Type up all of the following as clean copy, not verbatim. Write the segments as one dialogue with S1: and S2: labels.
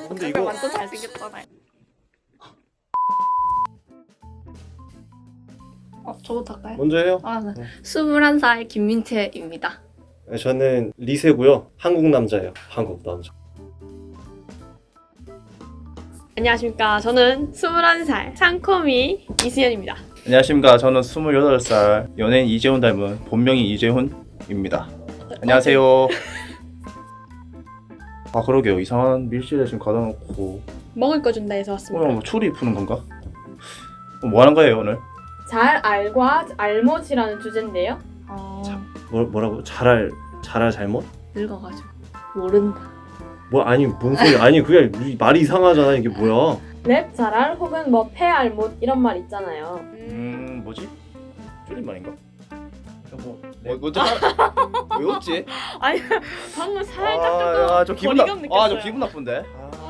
S1: 근데 이거
S2: 완전 잘생겼잖아요. 저부터 할까요?
S1: 먼저 해요.
S2: 네. 21살 김민채입니다.
S1: 저는 리세고요. 한국 남자예요. 한국 남자.
S2: 안녕하십니까. 저는 21살 상코미 이수연입니다.
S3: 안녕하십니까. 저는 28살 연예인 이재훈 닮은 본명이 이재훈입니다. 안녕하세요. 아 그러게요. 이상한 밀실에 지금 가다 놓고
S2: 먹을 거 준다 해서 왔습니다.
S3: 오늘 뭐 추리 푸는 건가? 뭐 하는 거예요 오늘?
S2: 잘 알과 알못이라는 주제인데요.
S1: 뭐라고? 잘할 잘못?
S2: 늙어가지고 모른다.
S1: 뭐 아니 뭔 소리? 아니 그게 말이 이상하잖아. 이게 뭐야?
S2: 랩 잘알 혹은 뭐 패알못 이런 말 있잖아요.
S3: 뭐지? 줄임말인가?
S1: 여보.
S3: 먼저 왜 웃지?
S2: 아니 방금 살짝
S3: 저
S2: 조금
S3: 기분
S2: 거리감 느꼈어요.
S3: 저 기분 나쁜데.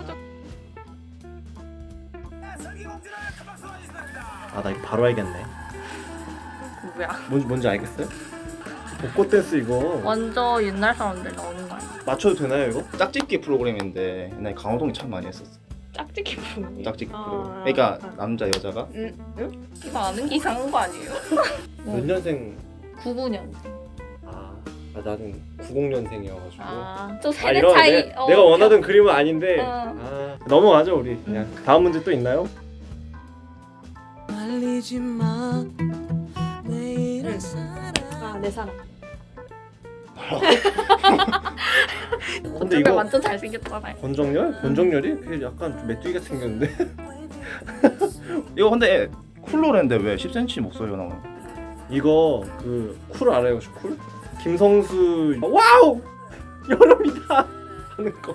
S1: 나 이거 바로 알겠네.
S2: 뭐야?
S1: 뭔지 알겠어요? 벚꽃 댄스 이거
S2: 완전 옛날 사람들 나오는 거 아니야?
S1: 맞춰도 되나요 이거?
S3: 짝짓기 프로그램인데 옛날에 강호동이 참 많이 했었어.
S2: 짝짓기 프로그램.
S3: 짝짓기 프로그램. 그러니까 남자 여자가
S2: 응? 이거 아는 게 이상한 거 아니에요?
S1: 몇 년생?
S2: 99년.
S1: 나는 90년생이어가지고.
S2: 저 세대
S1: 이런
S2: 차이.
S1: 내가 원하던 그림은 아닌데.
S2: 어.
S1: 넘어가죠 우리. 그냥 다음 문제 또 있나요?
S4: 말리지 마. 내일은
S2: 내 사랑.
S1: 근데 이거
S2: 완전 잘생겼잖아요.
S1: 권정열이? 그게 약간 좀 메뚜기가 생겼는데.
S3: 이거 근데 쿨로랜데 왜 10cm 목소리가 나오나?
S1: 이거 그 쿨 알아요 혹시 쿨? 김성수 와우 여름이다 하는 거.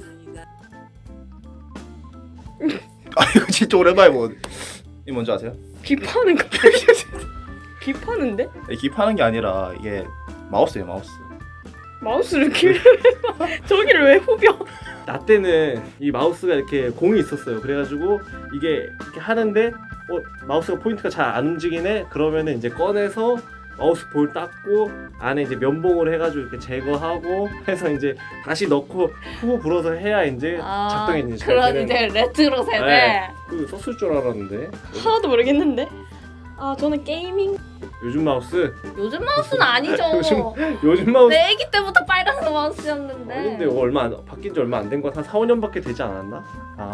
S3: 이거 진짜 오랜만에 뭐 이 뭔지 아세요?
S2: 비파는 거. 비파는데?
S3: 기파는 게 아니라 이게 마우스예요 마우스.
S2: 마우스를 길을 저기를 왜 후벼?
S1: 나 때는 이 마우스가 이렇게 공이 있었어요. 그래가지고 이게 이렇게 하는데 마우스가 포인트가 잘 안 움직이네. 그러면은 이제 꺼내서 마우스 볼 닦고 안에 이제 면봉으로 해가지고 이렇게 제거하고 해서 이제 다시 넣고 후 불어서 해야 이제 작동이 이제 잘
S2: 그런
S1: 되는.
S2: 이제 레트로 세대.
S1: 네. 그 썼을 줄 알았는데.
S2: 하나도 모르겠는데. 저는 게이밍.
S1: 요즘 마우스?
S2: 요즘 마우스는 아니죠.
S1: 요즘 마우스.
S2: 내 애기 때부터 빨간 마우스였는데.
S1: 아닌데 이거 바뀐 지 얼마 안 된 거 한 4, 5년밖에 되지 않았나?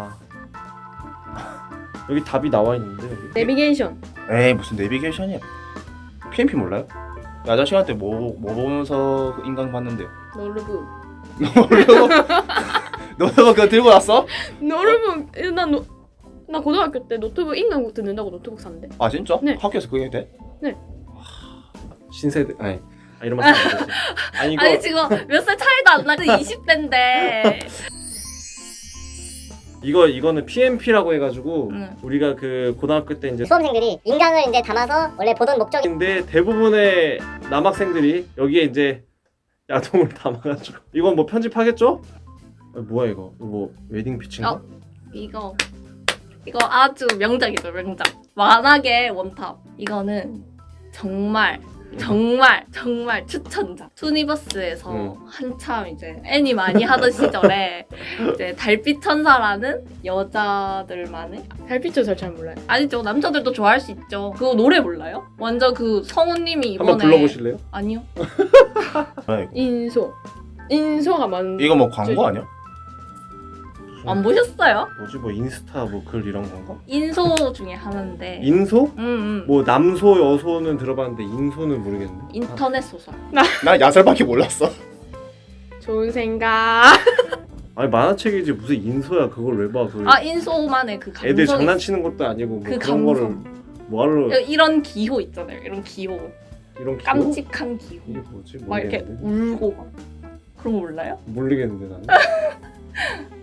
S1: 여기 답이 나와 있는데 여기.
S2: 내비게이션.
S3: 에이 무슨 내비게이션이야? PMP 몰라요? 야자 시간 때 뭐 보면서 인강 봤는데요.
S2: 노르브.
S3: 너 그거 들고 왔어?
S2: 노르브. 나 고등학교 때 노트북 인강국 듣는다고 노트북 샀는데.
S3: 아 진짜?
S2: 네.
S3: 학교에서 그게 돼?
S1: 신세대 이런 말 하면 안 되지. 아니 이거
S2: 아니 지금 몇 살 차이도 안 나고 20대인데.
S1: 이거는 PMP라고 해가지고
S2: 응.
S1: 우리가 그 고등학교 때 이제
S5: 수험생들이 인강을 이제 담아서 원래 보던 목적이
S1: 인데 대부분의 남학생들이 여기에 이제 야동을 담아가지고 이건 뭐 편집하겠죠? 뭐야 이거 뭐 웨딩 피치인가?
S2: 이거 아주 명작이죠. 명작. 만화계 원탑. 이거는 정말 추천작. 투니버스에서 한참 이제 애니 많이 하던 시절에 이제 달빛 천사라는 여자들만의 달빛 천사 잘 몰라요? 아니죠. 남자들도 좋아할 수 있죠. 그거 노래 몰라요? 완전 그 성우님이 이번에
S1: 한번 불러보실래요?
S2: 아니요.
S3: 뭐야, 이거?
S2: 인소가 만
S3: 이거 뭐 광고 아니야?
S2: 안 보셨어요?
S1: 뭐지 뭐 인스타 뭐 글 이런 건가?
S2: 인소 중에 하나인데.
S1: 인소?
S2: 응.
S1: 뭐 남소 여소는 들어봤는데 인소는 모르겠네.
S2: 인터넷 소설.
S3: 나 야설밖에 몰랐어.
S2: 좋은 생각.
S1: 아니 만화책이지 무슨 인소야 그걸 왜 봐?
S2: 인소만의 그 감성.
S1: 애들 장난치는 것도 아니고 뭐
S2: 그
S1: 그런 거를
S2: 감성.
S1: 뭐하러
S2: 이런 기호 있잖아요. 이런 기호.
S1: 이런 기호?
S2: 깜찍한 기호.
S1: 이게 뭐지?
S2: 막 이렇게
S1: 모르겠는데.
S2: 울고 막. 그런 거 몰라요?
S1: 모르겠는데 나는.